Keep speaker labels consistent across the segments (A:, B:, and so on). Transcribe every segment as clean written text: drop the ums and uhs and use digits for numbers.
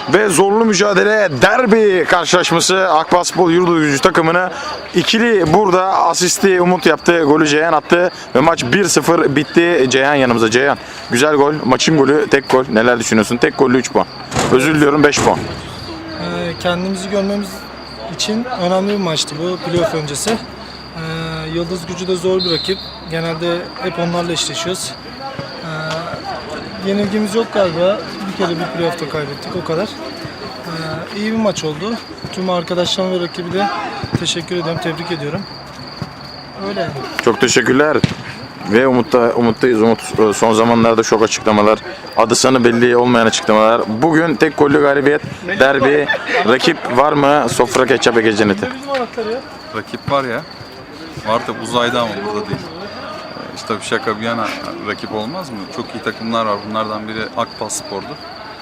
A: ve zorlu mücadele derbi karşılaşması Akbaspor Yıldızgücü takımını ikili burada asisti Umut yaptı, golü Ceyhan attı ve maç 1-0 bitti. Ceyhan yanımızda. Ceyhan, güzel gol, maçın golü, tek gol. Neler düşünüyorsun? Tek gollü 3 puan. Özür diliyorum, 5 puan.
B: Kendimizi görmemiz için önemli bir maçtı bu playoff öncesi. Yıldız Gücü de zor bir rakip. Genelde hep onlarla eşleşiyoruz. Yenilgimiz yok galiba. Bir kere bir playoff'ta kaybettik, o kadar. İyi bir maç oldu. Tüm arkadaşlarım ve rakibi de teşekkür ediyorum, tebrik ediyorum. Öyle yani.
A: Çok teşekkürler. Ve umuttayız. Umut son zamanlarda şok açıklamalar, adı sanı belli olmayan açıklamalar. Bugün tek gollü galibiyet, derbi. Rakip var mı? Sofra Ketçap Ege Cenneti.
C: Rakip var ya. Var da uzayda ama burada değil. İşte bir şaka bir yana rakip olmaz mı? Çok iyi takımlar var. Bunlardan biri Akbaspor'du.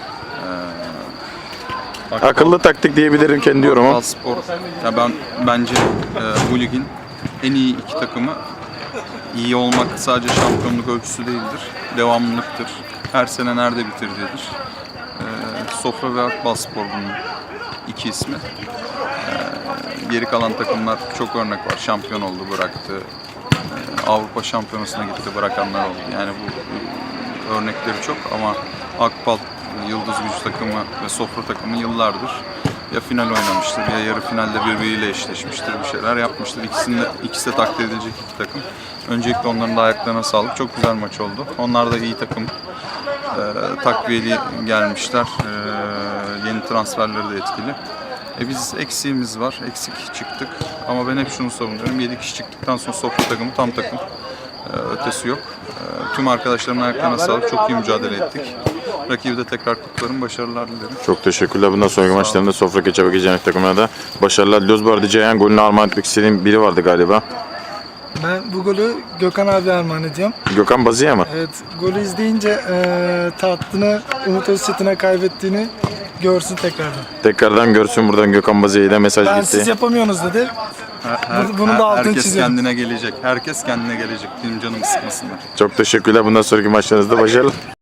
A: Akıllı taktik diyebilirim kendi yorumum.
C: Akbaspor. Ya bence bu ligin en iyi iki takımı. İyi olmak sadece şampiyonluk ölçüsü değildir. Devamlılıktır. Her sene nerede bitirdiğidir. Sofra ve Akbaspor bunun iki ismi. Geri kalan takımlar çok örnek var. Şampiyon oldu, bıraktı. Avrupa Şampiyonası'na gitti, bırakanlar oldu. Yani bu örnekleri çok ama Akbal, Yıldız Gücü takımı ve Sofra takımı yıllardır ya final oynamıştır ya yarı finalde birbiriyle eşleşmiştir, bir şeyler yapmıştır. İkisi de takdir edilecek iki takım. Öncelikle onların da ayaklarına sağlık. Çok güzel maç oldu. Onlar da iyi takım. Takviyeli gelmişler. Yeni transferleri de etkili. Biz eksiğimiz var. Eksik çıktık. Ama ben hep şunu savunuyorum. 7 kişi çıktıktan sonra Sofra takımı tam takım. Ötesi yok. Tüm arkadaşlarımın ayaklarına sağlık. Çok iyi mücadele ettik. Rakibi de tekrar kutlarım. Başarılar dilerim.
A: Çok teşekkürler. Bundan sonraki maçlarında Sofra Ketçap Ege Cenneti takımına da başarılar diliyoruz. Bu arada Ceyhan golünü armağan etmek istediğim biri vardı galiba.
B: Ben bu golü Gökhan abi armağan ediyorum.
A: Gökhan Bazıya mı?
B: Evet, golü izleyince tahtını Umut Özçetin'e kaybettiğini görsün tekrardan.
A: Tekrardan görsün, buradan Gökhan Bazıya'ya da mesaj
B: Ben
A: gitti.
B: siz yapamıyorsunuz dedi. Bunu da altını
C: Herkes
B: çiziyorum.
C: kendine gelecek. Herkes kendine gelecek. Benim canımı sıkmasınlar.
A: Çok teşekkürler. Bundan sonraki maçlarınızda başarılar.